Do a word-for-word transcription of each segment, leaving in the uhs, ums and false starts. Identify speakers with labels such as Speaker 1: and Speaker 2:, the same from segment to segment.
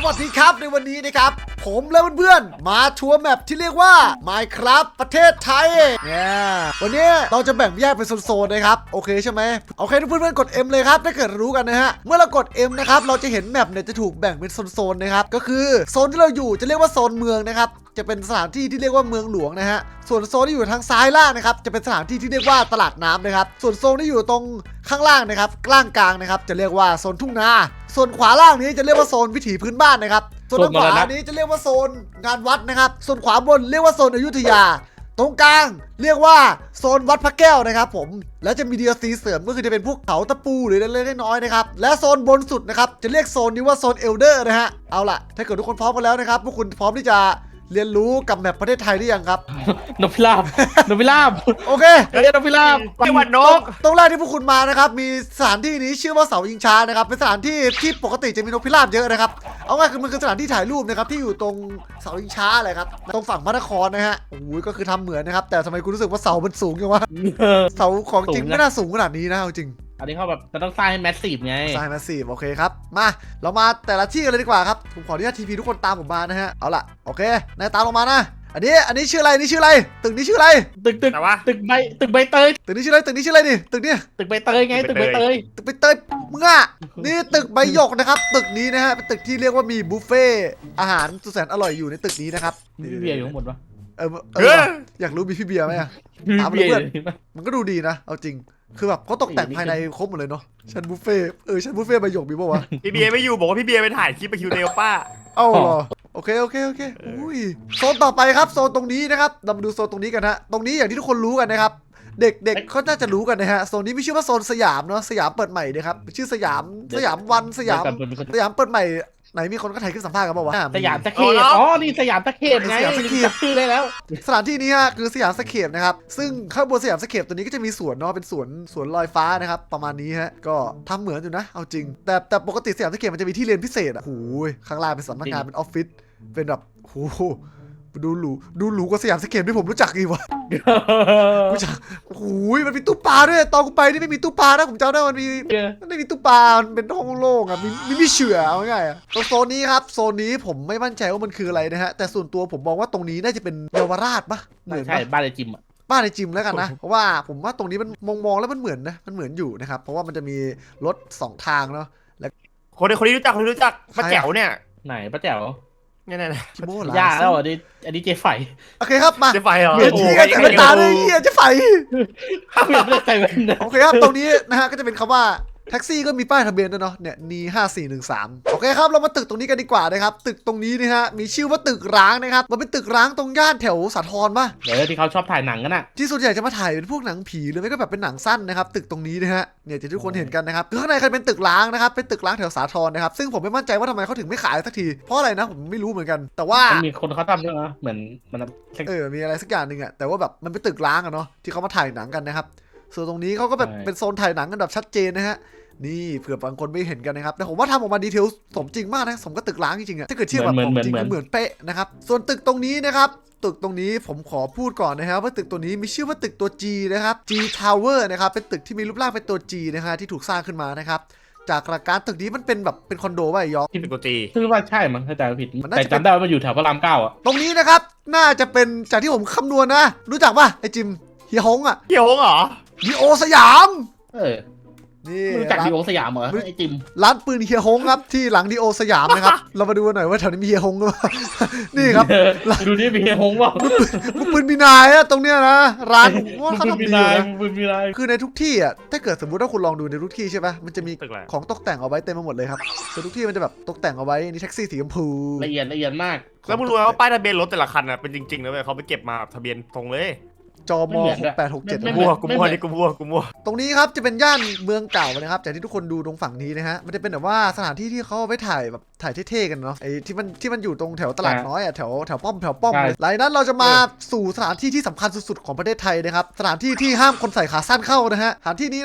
Speaker 1: วัสดีครับในวันนี้นะครับผมและเพื่อนๆมาทัวร์แมปที่เรียกว่า Minecraft ประเทศไทยเนี่ยวันนี้เราจะแบ่งแยกเป็นโซนๆนะครับโอเคใช่ไหมโอเคทุกเพื่อนๆกด M เลยครับถ้าเกิดรู้กันนะฮะเมื่อเรากด M นะครับเราจะเห็นแมปเนี่ยจะถูกแบ่งเป็นโซนๆนะครับก็คือโซนที่เราอยู่จะเรียกว่าโซนเมืองนะครับจะเป็นสถานที่ที่เรียกว่าเมืองหลวงนะฮะส่วนโซนที่อยู่ทางซ้ายล่างนะครับจะเป็นสถานที่ที่เรียกว่าตลาดน้ำนะครับส่วนโซนที่อยู่ตรงข้างล่างนะครับกลางกลางนะครับจะเรียกว่าโซนทุ่งนาส่วนขวาล่างนี้จะเรียกว่าโซนวิถีพื้นบ้านนะครับส่วนทางขวานี้จะเรียกว่าโซนงานวัดนะครับส่วนขวาบนเรียกว่าโซนอยุธยาตรงกลางเรียกว่าโซนวัดพระแก้วนะครับผมแล้วจะมี ดี แอล ซี เสริมก็คือจะเป็นพวกเขาตะปูหรือเล็กๆน้อยๆนะครับและโซนบนสุดนะครับจะเรียกโซนนี้ว่าโซนเอลเดอร์นะฮะเอาล่ะถ้าเกิดทุกคนพร้อมกันแล้วนะครับพวกคุณพร้อมที่จะเรียนรู้กับแมปประเทศไทยหรือยังครับ
Speaker 2: นกพิราบนกพิราบ
Speaker 1: โอเค
Speaker 2: เรียกนกพิราบ
Speaker 3: จังหวัดนก
Speaker 1: ตรงแรกที่พวกคุณมานะครับมีสถานที่นี้ชื่อว่าเสายิงช้านะครับเป็นสถานที่ที่ปกติจะมีนกพิราบเยอะนะครับเอาง่ายคือมันคือสถานที่ถ่ายรูปนะครับที่อยู่ตรงเสายิงช้าเลยครับตรงฝั่งพระนครนะฮะโอ้ยก็คือทำเหมือนนะครับแต่ทำไมคุณรู้สึกว่าเสามันสูงจังวะเสาของจริงไม่น่าสูงขนาดนี้นะจริง
Speaker 2: อันนี้เขาแบบมันต้องสร้างให้แมสซีฟไง
Speaker 1: สร้างแมสซีฟโอเคครับมาเรามาแต่ละที่กันเลยดีกว่าครับผมขออนุญาตทีพีทุกคนตามผมมานะฮะเอาล่ะโอเคนายตามลงมานะอันนี้อันนี้ชื่ออะไรนี่ชื่ออะไรตึกนี้ชื่ออะไร
Speaker 2: ตึกตึกตึกใบตึกใบเตย
Speaker 1: ตึกนี้ชื่ออะไรตึกนี้ชื่ออะไรนี่ตึกนี้
Speaker 2: ตึกใบเตยไงตึกใบเตย
Speaker 1: ตึกใบเตยมึงอ่ะนี่ตึกใบหยกนะครับตึกนี้นะฮะเป็นตึกที่เรียกว่ามีบุฟเฟ่อาหารสุดแสนอร่อยอยู่ในตึกนี้นะครับ
Speaker 2: มีพี่เบียร์อยู่ข้างบนปะ
Speaker 1: เออเอออยากรู้มีพี่เบียร์ไหมอ่ะถามเพื่อนมันก็ดูดีนะเอาจริงคือแบบเขาตกแต่งภายในครบหมดเลยเนาะชั้นบุฟเฟ่เออชั้นบุฟเฟ่ใบหยกมีป่าวะ
Speaker 3: พี่เบียร์ไม่อยู่บอกว่าพี่เบียร์ไปถ่ายคลิปไปคิวเดลป้า
Speaker 1: เอ้าเหรอโอเคโอเคโอเคอุ้ยโซนต่อไปครับโซนตรงนี้นะครับเรามาดูโซนตรงนี้กันฮะตรงนี้อย่างที่ทุกคนรู้กันนะครับเด็กๆเขาน่าจะรู้กันนะฮะโซนนี้ไม่ชื่อว่าโซนสยามเนาะสยามเปิดใหม่นะครับชื่อสยามสยามวันสยามสยามเปิดใหม่ไหนมีคนก็ถ่ายขึ้นสัมภาษณ์กันป่าวะ
Speaker 2: สยามสเคปอ๋อนี่สยามสเคปไง
Speaker 1: สยามสเคป
Speaker 2: ชื่อได้แล้ว
Speaker 1: สถานที่นี้ฮะคือสยามสเคปนะครับซึ่งข้างบนสยามสเคปตัวนี้ก็จะมีสวนเนาะเป็นสวนสวนลอยฟ้านะครับประมาณนี้ฮะก็ทำเหมือนอยู่นะเอาจริงแต่แต่ปกติสยามสเคปมันจะมีที่เรียนพิเศษอ่ะโอ้ยข้างล่างเป็นสำนักงานเป็นออฟฟิศเป็นแบบโอ้โหดูหรูดูหรูกว่าสยามสเคปที่ผมรู้จักอีกวะรู้จักโอ้โหมันมีตู้ปลาด้วยตอนกูไปนี่ไม่มีตู้ปลานะผมจำได้มันมีมันไม่มีตู้ปลามันเป็นห้องโล่งอ่ะมีมีมีเฉื่อเอาง่ายๆอ่ะตรงโซนนี้ครับโซนนี้ผมไม่มั่นใจว่ามันคืออะไรนะฮะแต่ส่วนตัวผมมองว่าตรงนี้น่าจะเป็นเยาวราชปะเหมือน
Speaker 2: ใช่บ้านไอจิมอ่ะ
Speaker 1: บ้านไอจิมแล้วกันนะเพราะว่าผมว่าตรงนี้มันมองมองแล้วมันเหมือนนะมันเหมือนอยู่นะครับเพราะว่ามันจะมีรถสองทางเนาะแล้ว
Speaker 3: คนนี้คนนี้รู้จักคนนี้รู้จักป้าแจ๋วเนี่ย
Speaker 2: ไหนป้าแจ๋ว
Speaker 3: เนี่ยเนี่ย
Speaker 1: คิโม่หร
Speaker 2: อยากแล้วอันนี้อันนี้เจไฝ
Speaker 1: โอเคครับมา
Speaker 3: เจไฝเหรอ
Speaker 1: เดี๋ยวชี้กันแต่ไม่ตาเลยเฮียเจไฝ
Speaker 2: ไม่ได้ใจเว้น
Speaker 1: โอเคครับตรงนี้นะฮะก็จะเป็นคำว่าแท็กซี่ก็มีป้ายทะเบียนด้วยเนาะเนี่ยนีห้าสี่หนึ่งสามโอเคครับเรามาตึกตรงนี้กันดีกว่านะครับตึกตรงนี้นี่ฮะมีชื่อว่าตึกร้างนะครับมันเป็นตึกร้างตรงย่านแถวสาทรป่ะ
Speaker 2: เดี๋ยวที่เขาชอบถ่ายหนังกันอะ
Speaker 1: ที่ส่วนใหญ่จะมาถ่ายเป็นพวกหนังผีหรือไม่ก็แบบเป็นหนังสั้นนะครับตึกตรงนี้นะฮะเนี่ยที่ทุกคนเห็นกันนะครับคือข้างในเขาเป็นตึกร้างนะครับเป็นตึกร้างแถวสาทรนะครับซึ่งผมไม่มั่นใจว่าทำไมเขาถึงไม่ขายสักทีเพราะอะไรนะผมไม่รู้เหมือนกันแต่ว่า
Speaker 2: มีคนเขาทำด้วยนะเหมือนมัน
Speaker 1: เออมีอะไรสักอย่างหนึ่งอะแต่ว่าแบบมันเป็นตึกร้างอะเนาะที่เขามาถ่ายหนังกันนะครับส่วนตรงนี้เขาก็แบบเป็นโซนถ่ายหนังกันแบบชัดเจนนะฮะนี่เผื่อบางคนไม่เห็นกันนะครับแต่ผมว่าทำออกมาดีเทลสมจริงมากนะสมกับตึกร้างจริงๆอะถ้าเกิดเทียบแบบของจริงก็เหมือนเป๊ะนะครับส่วนตึกตรงนี้นะครับตึกตรงนี้ผมขอพูดก่อนนะครับว่าตึกตัวนี้มีชื่อว่าตึกตัว G นะครับ G Tower นะครับเป็นตึกที่มีรูปร่างเป็นตัว G นะฮะที่ถูกสร้างขึ้นมานะครับจากหลักการตึกนี้มันเป็นแบบเป็นคอนโดว่ะยอ
Speaker 3: ที่เป็นตัว G
Speaker 2: คือว่าใช่มั้งถ้าจำไม่ผิดแต่จำได้ว่ามันอยู่แถวพระรามเก้าอะ
Speaker 1: ตรงนี้นะครับน่าจะเป็นจากที่ผมคำนวณนะรู้จักป่ะไอจิมเฮียฮงอะ
Speaker 3: เฮียฮงเหรอ
Speaker 1: ดีโอสยาม
Speaker 2: เออ
Speaker 1: นี่
Speaker 2: รู้จักดีโอสยามเหรอไอจิม
Speaker 1: ร้านปืนเฮียฮงครับที่หลังดีโอสยามนะครับเรามาดูกันหน่อยว่าแถวนี้มีเฮียฮงหรือเปล่านี่ครับ
Speaker 2: ดูนี่มีเฮียฮงว่า
Speaker 1: มุกปืนมีนายอะตรงเนี้ยนะร้านว่าเขาทำดีนะคือในทุกที่อะถ้าเกิดสมมุติว่าคุณลองดูในทุกที่ใช่ปะมันจะมีของตกแต่งเอาไว้เต็มไปหมดเลยครับคือทุกที่มันจะแบบตกแต่งเอาไว้นี่แท็กซี่สีชมพู
Speaker 2: ละเอียดละเอียดมาก
Speaker 3: แล้วมึงรู้ไหมว่าป้ายทะเบียนรถแต่ละคันอะเป็นจริงๆนะเว้ยเขาไปเก็บมาทะเบียนตรงเลย
Speaker 1: จมหกแปดหกเจ็ด
Speaker 3: กูมั่วกูมั่วนี่กูมั่วกูมั่ว
Speaker 1: ตรงนี้ครับจะเป็นย่านเมืองเก่านะครับจากที่ทุกคนดูตรงฝั่งนี้นะฮะมันจะเป็นแบบว่าสถานที่ที่เขาไปถ่ายแบบถ่ายเท่ๆกันเนาะไอ้ที่มันที่มันอยู่ตรงแถวตลาดน้อยอ่ะแถวแถวป้อมแถวป้อมหลังนั้นเราจะมาสู่สถานที่ที่สำคัญสุดๆของประเทศไทยนะครับสถานที่ที่ห้ามคนใส่ขาสั้นเข้านะฮะสถานที่นี้นะครับ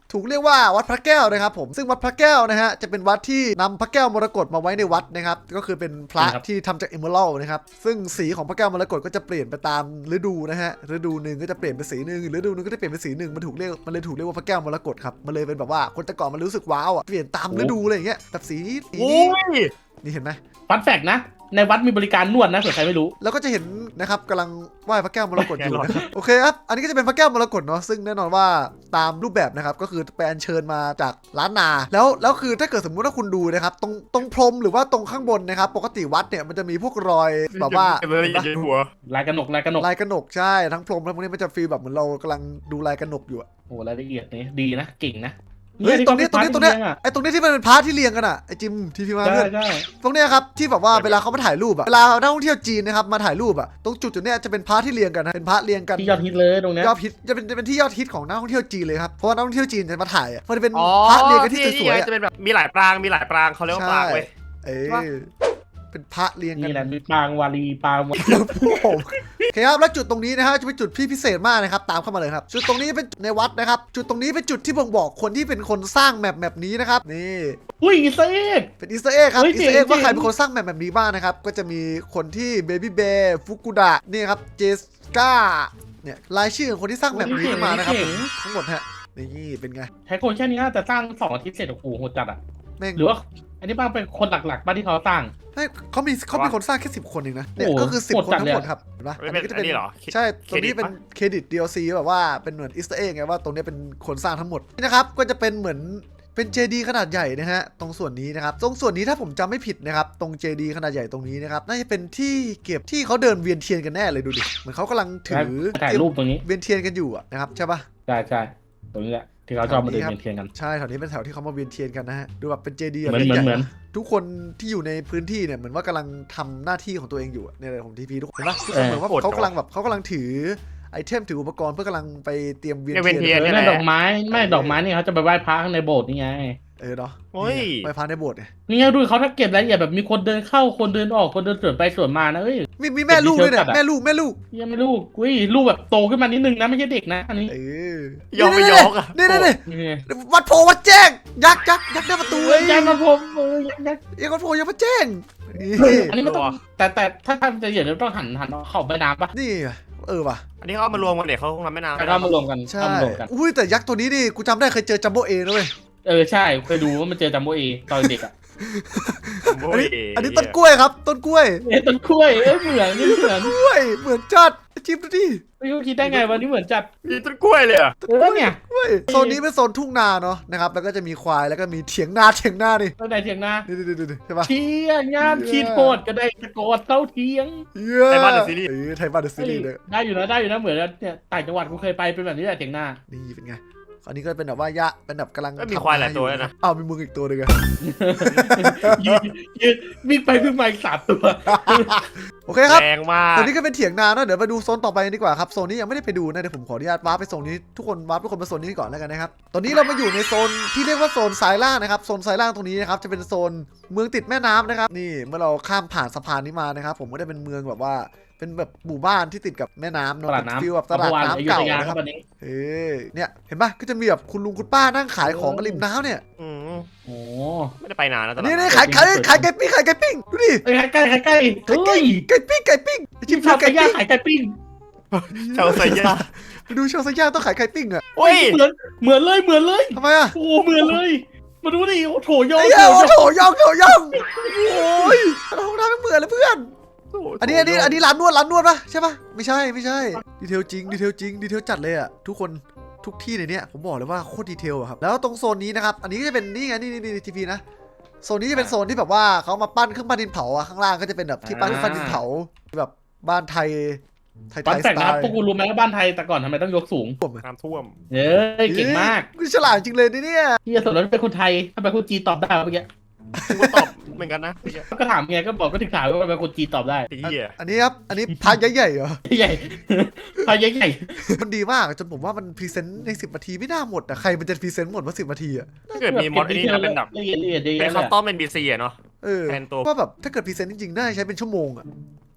Speaker 1: ถูกเรียกว่าวัดพระแก้วนะครับผมซึ่งวัดพระแก้วนะฮะจะเป็นวัดที่นำพระแก้วมรกตมาไว้ในวัดนะครับก็คือเป็นพระที่ทำจากเอเมอรัลด์นะครับซึ่งสีของพระแก้วมรกตก็จะเปลี่ยนไปตามฤดูนะฮะฤดูหนึ่งก็จะเปลี่ยนเป็นสีหนึ่งฤดูหนึงก็จะเปลี่ยนเป็นสีหนึ่งมันถูกเรียกมันเลยถูกเรียกว่าพระแก้วมรกตครับมันเลยเป็นแบบว่าคนแต่ก่อนมันรู้สึกว้าวอ่ะเปลี่ยนตามฤดูอะไรอย่างเงี้ยแบบสีนี้สี
Speaker 3: โอ้
Speaker 1: นี้
Speaker 3: ย
Speaker 1: นี่เห็นไหม
Speaker 2: ฟันแฟกนะในวัดมีบริการนวดนะเผื่อใครไม่รู้
Speaker 1: แล้วก็จะเห็นนะครับกำลังไหว้พระแก้วมรกตอยู่นะครับโอเคครับอันนี้ก็จะเป็นพระแก้วมรกตเนาะซึ่งแน่นอนว่าตามรูปแบบนะครับก็คือไปอัญเชิญมาจากล้านนาแล้วแล้วคือถ้าเกิดสมมุติว่าคุณดูนะครับตรงตรงพรมหรือว่าตรงข้างบนนะครับปกติวัดเนี่ยมันจะมีพวกรอยแบบว่า
Speaker 3: เก็บเลยอย่าหัว
Speaker 2: ลายกระหนกลายกระหนก
Speaker 1: ลายกระหนกใช่ทั้งพรมทั้งพวกนี้มันจะฟีลแบบเหมือนเรากำลังดูลายกระหนกอยู่อะ
Speaker 2: โอ้รายละเอียดนี่ดีนะเก่งนะ
Speaker 1: เฮ้ยตรงนี้ตรงนี้ตรงนี้
Speaker 2: เย
Speaker 1: ไอ้ตรงนี้ที่มันเป็นพาร์ทที่เรียงกันอะไอ้จิมทีพีมา
Speaker 2: ใช่
Speaker 1: เพื่อน
Speaker 2: ใช่
Speaker 1: ตรงเนี้ยครับที่แบบว่าเวลาเขามาถ่ายรูปอะเวลานักท่องเที่ยวจีนนะครับมาถ่ายรูปอะตรงจุดจุดเนี้ยจะเป็นพาร์ทที่เรียงกันนะเป็นพาร์ทเรียงกัน
Speaker 2: ที่ยอดฮิตเลยตรงเนี้ย
Speaker 1: ยอดฮิตจะเป็นจะเป็นที่ยอดฮิตของนักท่องเที่ยวจีนเลยครับเพราะว่านักท่องเที่ยวจีนจะมาถ่ายอะมันจะเป็น
Speaker 3: อ๋อ
Speaker 1: พาร์ทเรียงกันที่สวยๆ
Speaker 3: ไง
Speaker 1: อะ
Speaker 3: จะเป็นแบบมีหลายปรางมีหลายปรางเขาเรียกว่าปรางเว้ย
Speaker 1: เอ้ยเป็นพระเรียงกั
Speaker 2: นี่
Speaker 1: น
Speaker 2: แหละมีปางวารีปางวา
Speaker 1: ผมโอเคครับแล้วจุดตรงนี้นะฮะจะเป็นจุดที่พิเศษมากนะครับตามเข้ามาเลยครับจุดตรงนี้เป็นในวัดนะครับจุดตรงนี้เป็นจุดที่บ่งบอกคนที่เป็นคนสร้างแมปแมปนี้นะครับนี่
Speaker 2: อุ้ยอีเซก
Speaker 1: เป็นอีสเตอร์เอ็กครับ
Speaker 2: เฮ้ย
Speaker 1: อีสเตอร์เอ็ก
Speaker 2: เจ๋ง
Speaker 1: ว่าใคร
Speaker 2: เจ๋ง
Speaker 1: เป็นคนสร้างแมปแบบนี้บ้างนะครับก็จะมีคนที่เบบี้เบย์ฟุกุดะนี่ครับเจสกาเนี่ยรายชื่อของคนที่สร้างแมปนี้ขึ้นมานะครับผมทั้งหมดฮะนี่เป็นไง
Speaker 2: ใช้คนแค่นี้น่าจะสร้างสองอาทิตย์เสร็จโอ้โหโหดจัดอ่ะ
Speaker 1: แม่ง
Speaker 2: หรือว่าอันนี้บ้างเป็นคนหลักๆบ้านที่เขาสร้าง
Speaker 1: ให้เขามีเขาเป็นคนสร้างแค่สิบคนเองนะเนี่ย
Speaker 2: โอ้โห
Speaker 1: ก็คือสิบ
Speaker 2: โหด
Speaker 1: คน
Speaker 2: จัด
Speaker 1: ทั้
Speaker 2: เลย
Speaker 1: งหม
Speaker 2: อะ
Speaker 1: ดครับเห็นปะ
Speaker 3: ไม่
Speaker 1: อัน
Speaker 3: เป็
Speaker 1: นี้
Speaker 3: น
Speaker 1: ก็จะ
Speaker 3: อั
Speaker 1: เป็น น
Speaker 3: นี้เหรอ
Speaker 1: ใช่ตรงนี้เป็นเครดิต ดี แอล ซี แบบว่าเป็นเหมือนอีสเตอร์เอ็กไงว่าตรงนี้เป็นคนสร้างทั้งหมดนี่นะครับก็จะเป็นเหมือนเป็นเจดีขนาดใหญ่นะฮะตรงส่วนนี้นะครับตรงส่วนนี้ถ้าผมจำไม่ผิดนะครับตรงเจดีขนาดใหญ่ตรงนี้นะครับน่าจะเป็นที่เก็บที่เขาเดินเวียนเทียนกันแน่เลยดูดิเหมือนเขากำลังถือ
Speaker 2: ถ่ายรูปตรงนี้
Speaker 1: เวียนเทียนกันอยู่อะนะครับใช่ปะ
Speaker 2: ใช่ใช่ตรงนี้แหละที่เขาชอบมาเดินเวียนเทียนกัน
Speaker 1: ใช่แถวนี้เป็นแถวที่เขามาเวียนเทียนกันนะฮะดูแบบเป็นเจดี
Speaker 2: เหมือนเหมือนเหมือน
Speaker 1: ทุกคนที่อยู่ในพื้นที่เนี่ยเหมือนว่ากำลังทำหน้าที่ของตัวเองอยู่อะเนี่ยเลยผมทีพีทุกคนเห็นปะทุกคนเหมือนว่าเขากำลังแบบเขากำลังถือไอเทมถืออุปกรณ์เพื่อกำลังไปเตรียมเวียน
Speaker 3: เนี่ยเวียนเที
Speaker 1: เทีย
Speaker 3: ย
Speaker 1: น
Speaker 2: เออนั่นดอกไม้ไม่ดอกไม้นี่เขาจะไปไหว้พระข้างในโบสถ์นี่ไง
Speaker 1: เออเนาะ
Speaker 3: โอ้ย
Speaker 1: ไปพาในโบสถ์เนี่ย
Speaker 2: นี่ไงดูเขาถ้าเก็บรายละเอียดแบบมีคนเดินเข้าคนเดินออกคนเดินสวนไปสวนมานะเอ้ย
Speaker 1: มีมีแม่ลูกด้วยเนี่ย
Speaker 2: เป็นดีเทลจัดอะ
Speaker 1: แม่ลูกแม่ลูก
Speaker 2: ยังไม่ลูกอุ้ยลูกแบบโตขึ้นมานิดนึงนะไม่ใช่เด็กนะอันนี้
Speaker 1: เออย
Speaker 3: กไปยกอะ
Speaker 1: นี่นี่นี่
Speaker 2: นี่ไง
Speaker 1: วัดโพวัดแจ้งยักษ์ยักษ์ยักษ์หน้าประตู
Speaker 2: เอ้ยยันมาผมเออยันยัน
Speaker 1: เอ้ยวัดโพยังมาแจ้งนี่
Speaker 2: อันนี้ไม่ต้องแต่แต่ถ้าทำจะเห็นต้องหันหันเข้าไปน้ำปะ
Speaker 1: นี่เออว่ะ
Speaker 3: อันนี้เขาเอามารวมกันเดี๋ยวเขาคงทำไม่นาน
Speaker 2: แต่เข้ามารวมกัน
Speaker 1: ใช่
Speaker 2: เข้ามารวมกัน
Speaker 1: อุ้ยแต่ยักษ์ตัวนี้นี่กูจำได้เคยเจอจัมโบ้เอนะเว้ย
Speaker 2: เออใช่เคยดูว่ามันเจอจัมโบเอตอนเด็กอ่ะ
Speaker 1: อันนี้อันนี้ต้นกล้วยครับต้นกล้วย
Speaker 2: เอ้ยต้นกล้วยเอ้ยเหมือนนี่เหมือน
Speaker 1: กล้วยเหมือนจัดจิ้มดูดิ
Speaker 2: ไม่รู้คิดได้ไงวันนี้เหมือนจัด
Speaker 3: มีต้นกล้วยเลยเหรอ่ะ
Speaker 2: เออเนี่ย
Speaker 1: กล้วยโซนนี้เป็นโซนทุ่งนาเนาะนะครับแล้วก็จะมีควายแล้วก็มีเถียงนาเถียงนานี่
Speaker 2: ตอนไหนเถียงนา
Speaker 1: นี่นี่นี่ใช่ปะ
Speaker 2: เที่ยงงานขีดโหดก็ได้ตะโกนเต้าเที่ยง
Speaker 1: เย้
Speaker 3: ไทยบ้านเดอะซีรีส์
Speaker 1: เออไทยบ้านเดอะซีรีส์เลย
Speaker 2: ได้อยู่นะได้อยู่นะเหมือนเนี่ยต่างจังหวัดกูเคยไปเป็นแบบนี้แหละเถียงนา
Speaker 1: นี่เป็นไงอันนี้ก็เป็นแบบว่ายะเป็นแบบกำลัง
Speaker 3: ก็มีควายหลายตัวแล้วนะ
Speaker 1: อ้าวมีมึงอีกตัวหนึงอะ
Speaker 2: ยืนยืนวิ่งไปวิ่งมาอีกสามตัว
Speaker 1: โอเคครับ
Speaker 3: แรงมาก
Speaker 1: ตอนนี้ก็เป็นเถียงนาเนาะเดี๋ยวไปดูโซนต่อไปดีกว่าครับโซนนี้ยังไม่ได้ไปดูนะเดี๋ยวผมขออนุญาตวาร์ปไปโซนนี้ทุกคนวาร์ปทุกคนมาโซนนี้ก่อนแล้วกันนะครับตอนนี้เรามาอยู่ในโซนที่เรียกว่าโซนซ้ายล่างนะครับโซนซ้ายล่างตรงนี้นะครับจะเป็นโซนเมืองติดแม่น้ำนะครับนี่เมื่อเราข้ามผ่านสะพานนี้มานะครับผมก็ได้เป็นเมืองแบบว่าเป็นแบบหมู่บ้านที่ติดกับแม่น้ำ
Speaker 2: ต
Speaker 1: เนาะ
Speaker 2: ลาดน้ำ
Speaker 1: ฟิลแบบตลาดน้ำเก่า
Speaker 2: อยุธย
Speaker 1: นะครับ
Speaker 2: วันนี้
Speaker 1: เออเนี่ยเห็นปะก็จะมีแบบคุณลุงคุณป้านั่งขายของกันริมน้ำเนี่ย
Speaker 3: อืม
Speaker 2: โอ้
Speaker 3: ไม่ได้ไปนานนะตลาด
Speaker 1: นี่
Speaker 3: นั
Speaker 1: นี่
Speaker 3: ด
Speaker 1: ขายขายขายไก่ปิ้งขายไก่ปิ้งดูดิ
Speaker 2: เอ้ยใกล้ใกล้ใกล้
Speaker 1: ไก่
Speaker 2: เฮ้ย
Speaker 1: ไก่ปิ้งไก่ปิ้งชิ
Speaker 2: ชิ
Speaker 1: ม
Speaker 2: ม
Speaker 1: ชา
Speaker 2: ชาว
Speaker 1: ไก่
Speaker 2: ไก่ย่าง
Speaker 1: ปิ้ง
Speaker 2: ขายไก่ปิ้ง
Speaker 3: ชาวไซย่า
Speaker 1: ไปดูชาวไซย่าต้องขายไก่ปิ้งอะ
Speaker 3: โอ้ย
Speaker 2: เหมือนเหมือนเลยเหมือนเลย
Speaker 1: ทำไมอะ
Speaker 2: โอ้เหมือนเลยมาดูดิโอ้โถยอ
Speaker 1: ไอ้
Speaker 2: ง
Speaker 1: เหี้ย
Speaker 2: โถ
Speaker 1: โอ้
Speaker 2: ยอง
Speaker 1: โถย่องโถย่องโอ้ยเราทำไม่เหมือนเลยเพื่อนอันนี้อันนี้อันนี้ร้านนวดร้านนวดปะใช่ปะไม่ใช่ไม่ใช่ดีเทลจริงดีเทลจริงดีเทลจัดเลยอะทุกคนทุกที่ในเนี้ยผมบอกเลยว่าโคตรดีเทลอะครับแล้วตรงโซนนี้นะครับอันนี้ก็จะเป็นนี่ไงนี่นี่นี่ทีพีนะโซนนี้จะเป็นโซนที่แบบว่าเขามาปั้นเครื่องปั้นดินเผาอะข้างล่างก็จะเป็นแบบที่ปั้นเครื่องปั้นดินเผาแบบบ้านไทยไทยไท
Speaker 2: บ้าน
Speaker 1: ย
Speaker 2: แต
Speaker 1: ส
Speaker 2: ก
Speaker 1: ไต
Speaker 2: นะ
Speaker 1: ล์
Speaker 2: พวกกูรู้ไหมว่าบ้านไทยแต่ก่อนทำไมต้องยกสูง
Speaker 1: ผมอะ
Speaker 3: น้ำท่วม
Speaker 2: เอ้ยเก่งมาก
Speaker 1: กูฉลาดจริงเลยนี่เนี่ย
Speaker 2: ที่จะสนแล้วเป็นคนไทยถ้าเป็นคนจีนตอบได้เมื่อกี้
Speaker 3: กูก็ตอบเหมือนกันนะไอ้เหี้ย
Speaker 2: ก็ถามไงก็บอกก็ถึงถามว่าเป็นคนจีนตอบได้
Speaker 3: ไอ้เหี้ย
Speaker 1: อันนี้ครับอันนี้พายใหญ่ๆเหรอ
Speaker 2: ใหญ่พายใหญ่
Speaker 1: มันดีมากจนผมว่ามันพรีเซนต์ในสิบนาทีไม่น่าหมดอะใครมันจะพรีเซนต์หมดว่าสิบนาทีอะ
Speaker 3: ถ้าเกิดมีมอดไอ้นี่นะเป็นแบบ
Speaker 2: ละเอียดละเอียดเย
Speaker 3: เป็น
Speaker 2: อะ
Speaker 3: คั
Speaker 2: เล
Speaker 3: ส
Speaker 2: ย
Speaker 3: ตอมเป็นบีซีอะเนาะ
Speaker 1: เออ
Speaker 3: แทนตัว
Speaker 1: ว่าแบบถ้าเกิดพรีเซนต์จริงๆน่าจะใช้เป็นชั่วโมงอะ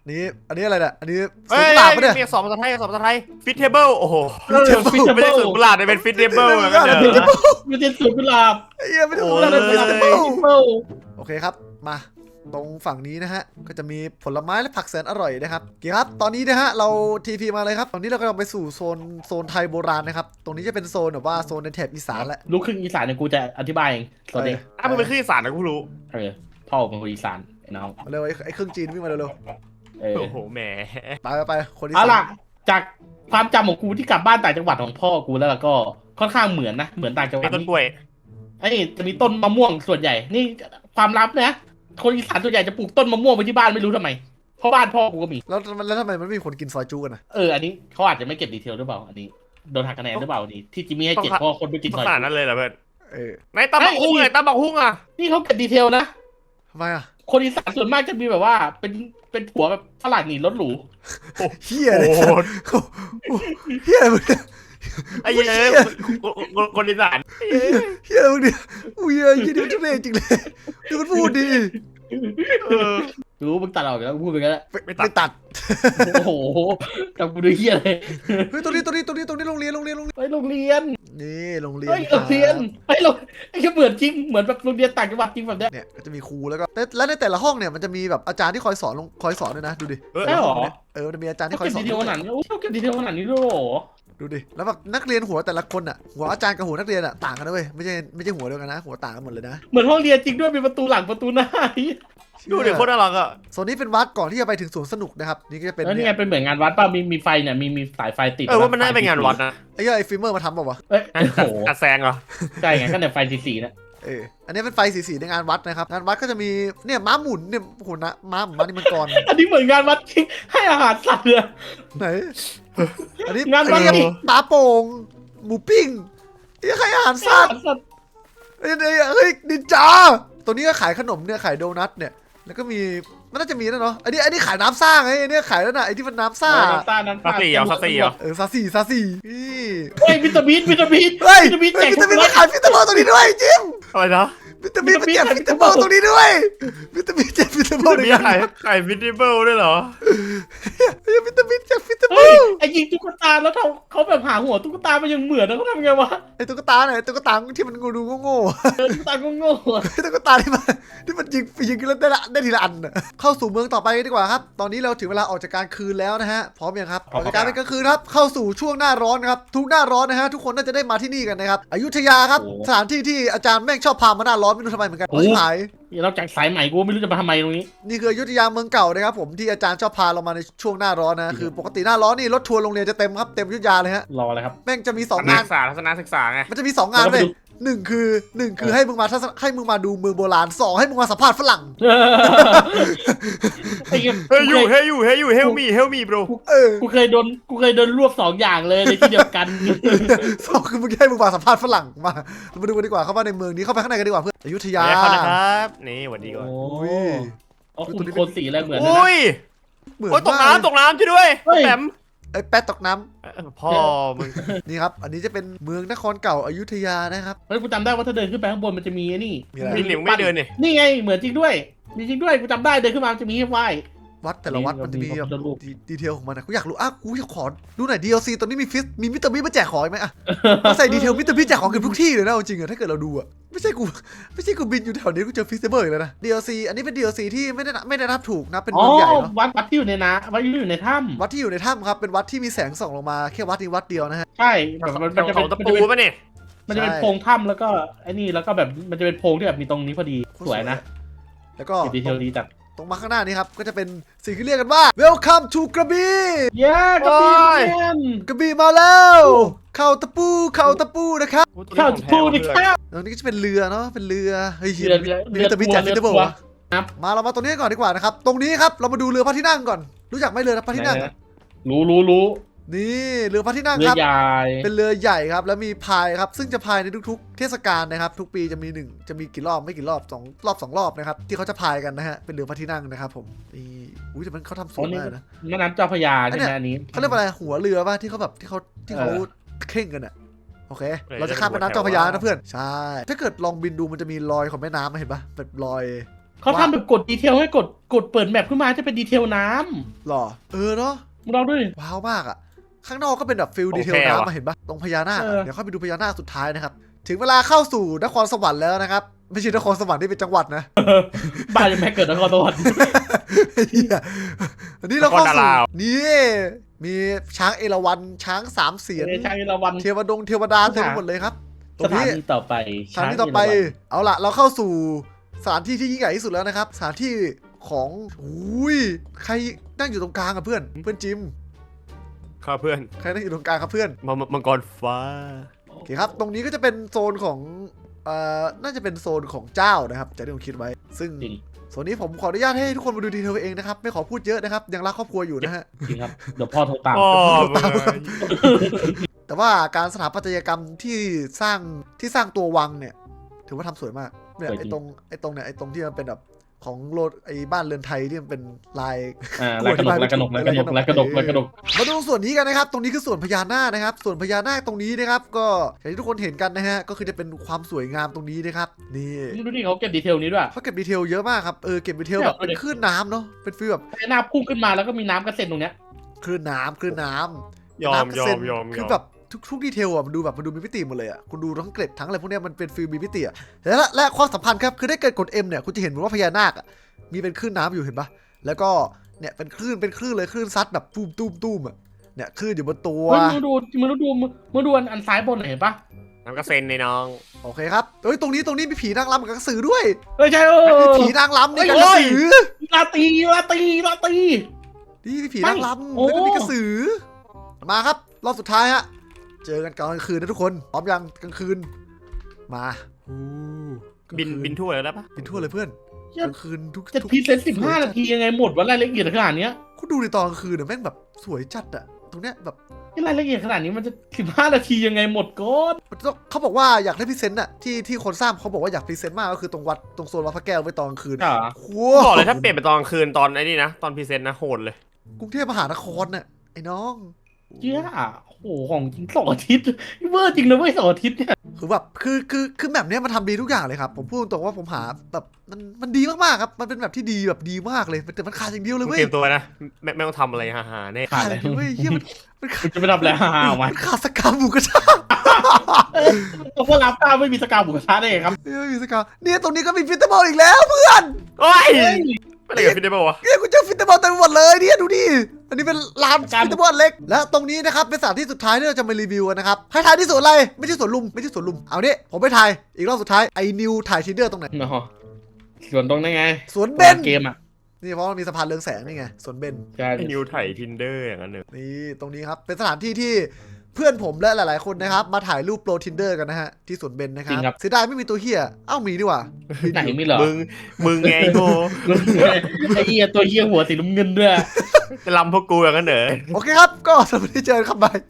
Speaker 1: นี่อันนี้อะไรเนี่ยอันนี้ส
Speaker 3: เฮ้
Speaker 1: วน
Speaker 3: ย
Speaker 1: กุหลาบปะเนี่ย
Speaker 3: มีสองภาษาไทยสองภาษาไทยฟิตเทเบิลโอ้โห
Speaker 2: เออฟิตเท
Speaker 3: ไม่
Speaker 2: เบิ
Speaker 3: ใช่
Speaker 2: ล
Speaker 3: สวนกุหลาบแต่เป็นฟิตเทเบิลเหมือนกันเด้อ
Speaker 2: ไม่ใช่สวนกุหลาบ
Speaker 1: ไอ้เหี้ยไม่ได้
Speaker 3: โอ้
Speaker 1: กุ
Speaker 3: ย
Speaker 1: หลาบเป็น
Speaker 2: ฟิ
Speaker 1: ฟิ
Speaker 2: ต
Speaker 1: ส
Speaker 2: เท
Speaker 1: เบิล
Speaker 2: เบิล
Speaker 1: โอเคครับมาตรงฝั่งนี้นะฮะก็จะมีผลไม้และผักแสนอร่อยนะครับโอเคครับตอนนี้นะฮะเราทีพีมาเลยครับตอนนี้เรากำลังไปสู่โซนโซนไทยโบราณนะครับตรงนี้จะเป็นโซนแบบว่าโซนในแถบอีสานแหละ
Speaker 2: ลูกครึ่งอีสานเนี่ยกูจะอธิบายเองสวัสดี
Speaker 3: ถ้ามึงเป็นขึ้นอีสานนะกูรู้
Speaker 2: เออพ่อเป็นคนอีสานไอ้น้อง
Speaker 1: มาเร็วไอ้ไอ้เครื่องจีนวิ่งมาเร็ว
Speaker 2: เออ
Speaker 3: โอ้โหแหม
Speaker 1: ๆไปไปไปคนที่
Speaker 2: เอา
Speaker 1: สา
Speaker 2: ล่ะ
Speaker 1: ม
Speaker 2: จากความจำของกูที่กลับบ้านต่างจังหวัดของพ่อกูแล้วก็ค่อนข้างเหมือนนะเหมือนต่างจังหวั
Speaker 3: เป็
Speaker 2: ด
Speaker 3: นต้นกล้วย
Speaker 2: ไอ้จะมีต้นมะม่วงส่วนใหญ่ นี่ความลับนะคนอีสานส่วนใหญ่จะปลูกต้นมะม่วงไว้ที่บ้านไม่รู้ทำไมเพราะบ้านพ่อกูก็มี
Speaker 1: แล้วแล้วทำไมมันไม่มีคนกินซอยจูกันนะ
Speaker 2: เอออันนี้เขาอาจจะไม่เก็บดีเทลหรือเปล่าอันนี้โดนหักคะแนนหรือเปล่าอันนี้ที่จิมมี่ให้เจ็ดเพราะคนไม่กิน
Speaker 3: ข
Speaker 2: ซอย
Speaker 3: นาดนั้นเลยเหรอเพื่อน
Speaker 1: เออ
Speaker 3: ไหนตำบักหุ่งไงตำบักหุ่งอ่ะ
Speaker 2: นี่เขาเก็บดีเทลนะ
Speaker 1: ทำไมอ่ะ
Speaker 2: คนอีสานส่วนมากจะมีแบบว่าเป็นเป็นผัวแบบฝรั่งหนีรถหรู
Speaker 1: เฮีย
Speaker 3: โอ้
Speaker 1: เลย
Speaker 3: โห
Speaker 1: เฮียอะไรมึงเนี่ย
Speaker 3: ไอ้เหี้ยคนอีสาน
Speaker 1: เฮียอะไรมึงเนี่ยอุ้ยเฮียยี่นี่มันทุเรศจริงเลยดูมันพูดดี
Speaker 3: เออ
Speaker 2: รู้มึงตัดออกแล้วพูดไปกันแล้ว
Speaker 1: ไม่ไม่ตัด
Speaker 2: โอ้โหจำกูดูเฮียเลย
Speaker 1: เฮ้ยตรงนี้ตรงนี้ตรงนี้ตรงนี้โรงเรียนโรงเรียนโรงเรียน
Speaker 2: ไปโรงเรียน
Speaker 1: นี่โรงเรียน
Speaker 2: เฮ้ยโรงเรียนไอ้โรงไอ้แค่เหมือนจริงเหมือนแบบโรงเรียนต่างจังหวัดจริงแบบเนี้ย
Speaker 1: เนี่ยก็จะมีครูแล้วก็แต่และในแต่ละห้องเนี่ยมันจะมีแบบอาจารย์ที่คอยสอนลงคอยสอนด้วยนะดูดิ
Speaker 3: เออ
Speaker 2: ใช่หรอ
Speaker 1: เออมันจะมีอาจารย์ที่
Speaker 2: เขา
Speaker 1: คอย
Speaker 2: เก็บ
Speaker 1: สอน
Speaker 2: ดีเทลขนาดนี้โอ้เขาเก็บดีเทลขนาดนี้ด้วยเหรอ
Speaker 1: ดูดิแล้วแบบนักเรียนหัวแต่ละคนอ่ะหัวอาจารย์กับหัวนักเรียนอ่ะต่างกันนะเว้ยไม่ใช่ไม่ใช่หัวเดียวกันนะหัวต่างกันหมดเลยนะ
Speaker 2: เหมือนห้องเรียนจริงด้วยมีประตูหลังประตูหน้า
Speaker 3: ดูเด็กคนน่ารักอ่ะ
Speaker 1: โซนนี้เป็นวัดก่อนที่จะไปถึงสวนสนุกนะครับนี่ก็จะเป็น
Speaker 2: แล้วนี่ไงเป็นเหมือนงานวัดป่ะมีมีไฟเนี่ยมีมีสายไฟติด
Speaker 3: เออว่ามันน่าจะเป็นงานวัดนะ
Speaker 1: ไอ้เหี้ยไอ้ฟิล์มเมอร์มาทำเปล่าวะ
Speaker 2: เอ้ยโอ้โห
Speaker 3: กัดแซงเหรอ
Speaker 2: ใช่ไงก็เนี่ยไฟสีๆนะ
Speaker 1: เอออันนี้เป็นไฟสีๆในงานวัดนะครับงานวัดก็จะมีเนี่ยม้าหมุนเนี่ยโอ้โหนะม้าหมุนม้านี่มันกร
Speaker 2: อันนี้เหมือนงานวัดจริงให้อาหารสัตว์เลย
Speaker 1: ไหนอันนี้
Speaker 2: งานวัด
Speaker 1: อันี้ปลาโป่งหมูปิ้งนี่ใครอาหารสัตว์
Speaker 2: สัตว์
Speaker 1: เฮ้ยเฮ้ยนินจาตัวนี้ก็ขายขนมเนี่ยขายโดนัทเนี่ยแล้วก็มีมันน่าจะมีนะเนาะอันนี้อันนี้ขายน้ำซ่าไงอันนี้ขายแล้วนะไอ้ที่มันน้ำซ่า
Speaker 2: น้ำตาลน้ำ
Speaker 3: ซา
Speaker 2: ตาล
Speaker 3: ซี่เหรอซาซี่เหรอ
Speaker 1: เออซาซีซาซีนี่
Speaker 2: เฮ้ยวิตามินวิตามิน
Speaker 1: เฮ้ย
Speaker 2: วิตามินแจก
Speaker 1: วิตามินมาขายวิตามินตรงนี้ด้วยจิม
Speaker 3: อะไรนะ
Speaker 1: วิตามินมาแจกวิตามินตรงนี้ด้วยวิตามินแจกวิตามิน
Speaker 3: มีไข่ไข่ฟิตเบิลด้วยเหรอ
Speaker 1: เฮ้ยวิตามินแจกวิตามิ
Speaker 2: เฮ้ย
Speaker 1: น
Speaker 2: ไอ้ยิงตุ๊กตาแล้วเขาเขาแบบหาหัวตุ๊กตามันยังเหมือนนะเขาทำไงวะ
Speaker 1: ไอ้ตุ๊กตาไหนตุ๊กตาที่มันงูดูโง่
Speaker 2: เออตุ๊กตาโง่ๆอะ
Speaker 1: ๆไอ้ตุ๊กตาที่มันที่มันยิงยิงแล้วได้ละได้ทีละอันน่ะเข้าสู่เมืองต่อไปดีกว่าครับตอนนี้เราถึงเวลาออกจากกลารคืนแล้วนะฮะพร้อมยังครับออกจากการเป็นกลางคืนครับเข้าสู่ช่วงหน้าร้อนนะครับทุกหน้าร้อนนะฮะทุกคนน่าจะได้มาที่นี่กันนะครับอยุธยาครับสถานที่ที่อาจารย์แม่งชอบพามาหน้าร้อนไม่รู้ทำไมเหมือนกันชิบหาย
Speaker 2: นอกจากสายใหม่กูไม่รู้จะมาทำไมตรงนี้
Speaker 1: นี่คืออยุธยาเมืองเก่านะครับผมที่อาจารย์ชอบพาเรามาในช่วงหน้าร้อนนะคือปกติหน้าร้อนนี่รถทัวร์โรงเรียนจะเต็มครับเต็มอยุธยาเลยฮะ
Speaker 2: รออะไรครับ
Speaker 1: แม่งจะมีสอง
Speaker 3: นั
Speaker 1: งาก น
Speaker 3: ศึกษาทัศนศึกษาไง
Speaker 1: มันจะมีสองงานเลยหนึ่งคือหนึ่งคือให้มึงมาทัศนให้มึงมาดูเมืองโบราณสองให้มึงมาสัมภาษณ์ฝรั่ง
Speaker 2: ไอ้เหี้ย
Speaker 3: เฮ้ยอยู่เฮ้ยอยู่เฮ้ยอยู่เฮลมีเฮลมี bro
Speaker 1: เออ
Speaker 2: กูเคยโดนกูเคยโดนรวบสองอย่างเลยในที่เดียวกัน
Speaker 1: สองคือมึงให้มึงมาสัมภาษณ์ฝรั่งมาเรามาดูกันดีกว่าเข้ามาในเมืองนี้เข้าไปข้างในกันดีกว่าเพื่อนอยุธยา
Speaker 3: เดี๋ยวเข้านะครับนี่สวัสดีก่อน
Speaker 2: โอ้
Speaker 1: อุ้ย
Speaker 2: เอาคุณโคนสีอะไรเหมือนนะ
Speaker 3: อุ้ย
Speaker 1: เหมือน
Speaker 3: โอ้ยตก
Speaker 1: มาก
Speaker 3: น้ำตกน้ำช่วยด้วย
Speaker 2: เฮ้ย
Speaker 3: แปม
Speaker 1: ไอ้แป๊ดตกน้
Speaker 3: พ่อมึง
Speaker 1: ำนี่ครับอันนี้จะเป็นเมืองนครเก่าอยุธยานะครับ
Speaker 2: เฮ้ยกูจำได้ว่าถ้าเดินขึ้นไปข้างบนมันจะมีไอ้นี่
Speaker 1: มีอะไร
Speaker 3: มีเหลียงไม่เดินนี่
Speaker 2: นี่ไงเหมือนจริงด้วยมีจริงด้วยกูจำได้เดินขึ้นมามันจะมีให้ไหว้
Speaker 1: วัดแต่ละวัดมันจะมี
Speaker 2: มีพระพุทธรูป
Speaker 1: ดีดีเทลของมันนะกูอยากรู้อ่ะกูอยากขอดูหน่อย ดี แอล ซี ตอนนี้มีฟิสมีมิสเตอร์บีมาแจกของอีกไหมอ่ะมาใส่ดีเทลมิสเตอร์บีแจกของเกือบทุกที่เลยนะเอาจริงอะถ้าเกิดเราดูอะไม่ใช่กูไม่ใช่กูบินอยู่แถวนี้กูเจอฟิสเบอร์อีกแล้วนะ ดี แอล ซี อันนี้เป็น ดี แอล ซี ที่ไม่ได้นับไม่ได้นับถูกนะเป็น
Speaker 2: อ๋อ
Speaker 1: เมืองใหญ่เนาะ
Speaker 2: วัดวัดที่อยู่ในน้ำวัดที่อยู่ในถ้
Speaker 1: วัดที่อยู่ในถ้ำครับเป็นวัดที่มีแสงส่องลงมาแค่วัดนี้วัดเดียวนะฮะ
Speaker 2: ำใช่แบบมันมันจะ
Speaker 3: ข
Speaker 2: เป็
Speaker 3: อน งตะ
Speaker 2: มัน
Speaker 3: ปู
Speaker 2: จะเป็น
Speaker 3: ป่ะเนี่ย
Speaker 2: มันจะเป็น
Speaker 1: ใช่
Speaker 2: โพรงถ้ำแล้วก็ไอ้นี่แล้วก็แบบมันจะเป็นโพรงที่แบบมีตรงนี้พอดีสวยนะ
Speaker 1: แล้วก็
Speaker 2: เก็บดีเทลดีจัด
Speaker 1: ตรงมาข้างหน้านี้ครับก็จะเป็นสิ่งที่เรียกกันว่า Welcome to กระบี่
Speaker 2: เย้กระบี่แมน
Speaker 1: กระบี่มาแล้วเข่าตะปูเข่าตะปูนะครับ
Speaker 2: ข้าวทูดิข้าว
Speaker 1: ตรงนี้ก็จะเป็นเรือเนาะเป็นเรือเฮ้ย
Speaker 2: เรือเรือ
Speaker 1: มีมิสเตอร์บีแจกฟิสเบอร์
Speaker 2: เรือ
Speaker 1: วะ
Speaker 2: ครับ
Speaker 1: มาเรามาตรงนี้ก่อนดีกว่านะครับ ตรงนี้ครับเรามาดูเรือพระที่นั่งก่อน รู้จักไหมเรือพระที่นั่งอะ
Speaker 2: รู้รู้รู้
Speaker 1: นี่เรือพระที่นั่ง
Speaker 2: เรื
Speaker 1: ค
Speaker 2: อ
Speaker 1: รับ
Speaker 2: ใหญ่
Speaker 1: เป็นเรือใหญ่ครับ แล้วมีพายครับ ซึ่งจะพายในทุกๆ เทศกาลนะครับ ทุกปีจะมีหนึ่งจะมีกี่รอบไม่กี่รอบสองรอบสองรอบนะครับที่เขาจะพายกันนะฮะเป็นเรือพระที่นั่งนะครับผมนี่อุ้ยแต่มันเขาทำสวยมากนะ
Speaker 2: แม่น้ำเจ้าพระยาใช่ไหมอันนี้
Speaker 1: เขาเรียกว่าอะไรหัวเรือป่ะที่เขาแบบที่เขาที่เขาเข่งกันอะโอเค เราจะข้ามแม่น้ำเจ้าพระยานะเพื่อนใช่ถ้าเกิดลองบินดูมันจะมีรอยของแม่น้ำมาเห็นปะแบบรอย
Speaker 2: เขาทำแบบกดดีเทลให้กดกดเปิดแมปขึ้นมาจะเป็นดีเทลน้
Speaker 1: หรอเออเนาะ
Speaker 2: ำมึงลองด้วย
Speaker 1: ว้าวมากอะข้างนอกก็เป็นแบบฟิลดีเทลน้ำมาเห็นปะตรงพญานาค
Speaker 2: เอ
Speaker 1: อะ
Speaker 2: อ
Speaker 1: เดี๋ยวค่อยไปดูพญานาคสุดท้ายนะครับถึงเวลาเข้าสู่นครสวรรค์แล้วนะครับไม่ใช่นครสวรรค์ที่เป็นจังหวัดนะ
Speaker 2: บ้านยังไม่เกิดนครสวรรค์
Speaker 1: เหี้ยอันนี้เราเข้าสู่นี่มีช้างเอราวัณช้างสามเสียน
Speaker 2: ในช้างเอราวัณ
Speaker 1: เทวดงเทวดาเต็มไปหมดเลยครับตร
Speaker 2: ส
Speaker 1: ง
Speaker 2: ถา
Speaker 1: นี้
Speaker 2: นีต่อไป
Speaker 1: สถานที่ต่อไป เอาล่ะ เราเข้าสู่สถานที่ที่ยิ่งใหญ่ที่สุดแล้วนะครับ สถานที่ของอุ้ย ใครนั่งอยู่ตรงกลางอะเพื่อน เพื่อนจิม
Speaker 3: ครับเพื่อน
Speaker 1: ใครนั่งอยู่ตรงกลางครับเพื่อน
Speaker 3: มมังกรฟ้า
Speaker 1: โอเคครับ ตรงนี้ก็จะเป็นโซนของเอ่อน่าจะเป็นโซนของเจ้านะครับจากที่ผมคิดไว้ ซึ่ง
Speaker 2: จริง
Speaker 1: โซนนี้ผมขออนุญาตให้ทุกคนมาดูดีเทลเองนะครับ ไม่ขอพูดเยอะนะครับ ยังรักครอบครัวอยู่นะฮะ
Speaker 2: จริงครับเดี๋ยวพ่อโทรตาม
Speaker 3: อ๋อ
Speaker 1: แต่ว่าการสถาปัตยกรรมที่สร้างที่สร้างตัววังเนี่ย ถือว่าทำสวยมากเนี่ยไอ้ตรงไอ้ตรงเนี่ยไอ้ตรงที่มันเป็นแบบของโลดไอ้บ้านเรือนไทยที่มันเป็นลาย
Speaker 2: อ่าลายกระหนกลายกระหนกลายกระหนกลายกระหนกลายกระหนก
Speaker 1: มาดูส่วนนี้กันนะครับ ตรงนี้คือส่วนพญานาคนะครับ ส่วนพญานาคตรงนี้นะครับ ก็อย่างที่ทุกคนเห็นกันนะฮะ ก็คือจะเป็นความสวยงามตรงนี้นะครับ นี่
Speaker 2: นี่ดูดิเขาเก็บดีเทลนี้ด้วย
Speaker 1: เขาเก็บดีเทลเยอะมากครับ เออ เก็บดีเทลแบบเป็นคลื่นน้ำเนาะ เป็นฟีลแบบ
Speaker 2: หน้าพุ่งขึ้นมาแล้วก็มีน้ำกระเซ็นตรงเนี้ย
Speaker 1: คลื่นน้ำคลื่นน้ำ
Speaker 3: ยอม
Speaker 1: น้ำกระ
Speaker 3: ยอ
Speaker 1: เซ็น
Speaker 3: มยอม
Speaker 1: คื
Speaker 3: ย
Speaker 1: อ
Speaker 3: อม
Speaker 1: แบบทุกทุกดีเทลอ่ะมันดูแบบมันดูมีมิติหมดเลยอ่ะ คุณดูทั้งเกล็ดทั้งอะไรพวกเนี้ยมันเป็นฟีลมีมิติอ่ะและและความสำคัญครับ คือได้เกิดกด M เนี่ย คุณจะเห็นว่าพญานาคอ่ะ มีเป็นคลื่นน้ำอยู่เห็นปะแล้วก็เนี่ยเป็นคลื่นเป็นคลื่นเลยคลื่นซัดแบบตุ้มตุ้มตุ้มอ่ะ เนี่ยคลื่นอยู่บนตัว
Speaker 2: เฮ้ยมึงดูมึงดูมึงดูอันซ้ายบนเห็นปะ
Speaker 3: น้ำกระเซ็นในน้อง
Speaker 1: โอเคครับเฮ้ยตรงนี้ตรงนี้มีผีนางรำกับกระสือด้วย
Speaker 2: เฮ้ยใช่เออ
Speaker 1: มีผีนางรำนี่กับ
Speaker 2: เฮ้
Speaker 1: กระ
Speaker 2: ย
Speaker 1: สือ
Speaker 2: ลาตีลาตีลาตี
Speaker 1: นี่มีผีนางรำ
Speaker 2: โอ้
Speaker 1: แล้วก็มีกระสือ มาครับรอบสุดท้ายฮะ เจอกันกลางคืนนะทุกคน พร้อมยังกลางคืน มาอู้กลาง
Speaker 3: บิน
Speaker 1: คื
Speaker 3: บินทั่วเลยได้ปะ
Speaker 1: บินทั่วเลยเพื่อนกลางคืนทุก
Speaker 2: จะ
Speaker 1: ทุก
Speaker 2: พรีเซนต์สิบห้านาทียังไงหมดวะรายละเอียดขนาดเนี้ย
Speaker 1: คุณดูในตอนกลางคืนเนี่ยแม่งแบบสวยจัดอะตรงเนี้ยแบบ
Speaker 2: ที่รายละเอียดขนาดนี้มันจะสิบห้านาทียังไงหมดก้อน
Speaker 1: มันต้องเขาบอกว่าอยากได้พรีเซนต์อะที่ที่คนสร้างเขาบอกว่าอยากพรีเซนต์มากก็คือตรงวัดตรงโซนวัดพระแก้วไว้ตอนกลางคืน
Speaker 2: อ่า
Speaker 1: โอ้โห
Speaker 3: บอกเลยถ้าเปลี่ยนไปตอนกลางคืนตอนไอ้นี่นะ ตอนพรีเซนต์นะโหดเลย
Speaker 1: กรุงเทพมหานครน่ะไอ้น้อง
Speaker 2: เจ้าโอ้โหของจริงสองอาทิตย์เวอร์จริงนะเว้ยสองอาทิตย์เนี่ย
Speaker 1: คือแบบคือคือคือแบบเนี้ยมันทำดีทุกอย่างเลยครับผมพูดตรงว่าผมหาแบบมันมันดีมากๆครับมันเป็นแบบที่ดีแบบดีมากเลยแต่มันขาดอย่างเดียวเลย
Speaker 3: มึง
Speaker 1: เว้
Speaker 3: เต
Speaker 1: ย
Speaker 3: รียมตัวนะไม่ไม่ต้องทำอะไรฮ่าๆแน่
Speaker 1: ขาดอย่างเดียวเว้ยเฮียมันมันขาด
Speaker 2: มันจะไปทำอะไรฮ่าๆมา
Speaker 1: มันขาดสกาหมูกระทะ
Speaker 2: ตัวพวกรับก้าวไม่มีสกาวหมูกระทะได้ไงครับ
Speaker 1: เฮ้ยไม่มีสกาเนี่ยตรงนี้ก็มีฟิตเตอร์บอลอีกแล้วเพื่อน
Speaker 3: โอ้ย
Speaker 2: เฮ้ย
Speaker 3: ไม่ได้กับฟิตเนสวะ
Speaker 1: เนี่ยกูเจอฟิตเตอร์บอลเต็มไปหมดเลยเนี่ยดูดิอันนี้เป็นลานฟิตเตอร์บอลเล็กและตรงนี้นะครับเป็นสถานที่สุดท้ายที่เราจะมารีวิวกันนะครับให้ทายที่สวนอะไรไม่ใช่สวนลุมไม่ใช่สวนลุมเอาเนี่ยผมไปถ่ายอีกรอบสุดท้ายไอ้นิวถ่ายทินเดอร์ตรงไหน
Speaker 2: เนาะส่วนตรงนั้นไง
Speaker 1: สวนเบน
Speaker 2: เกมอ่ะ
Speaker 1: นี่เพราะมันมีสะพานเรืองแสงนี่ไงสวนเบน
Speaker 2: ใช่
Speaker 3: ไอ้นิวไถ่ทินเดอร์อย่างนั้นเลย
Speaker 1: นี่ตรงนี้ครับเป็นสถานที่ที่เพื่อนผมและหลาย ๆ คนนะครับมาถ่ายรูปโปรทินเดอร์กันนะฮะที่สวนเบนนะครับเสียดายไม่มีตัวเฮียเอ้ามีดีกว่า
Speaker 2: ไหนมีเหรอ
Speaker 3: มึงมึงไงโง่
Speaker 2: ไอ้เหี้ยตัวเหี้ยหัวสีน้ำเงินด้วย
Speaker 3: จะลำพวกกูอย่างนั้นเหรอ
Speaker 1: โอเคครับก็สวัสดีเจอกันครับบาย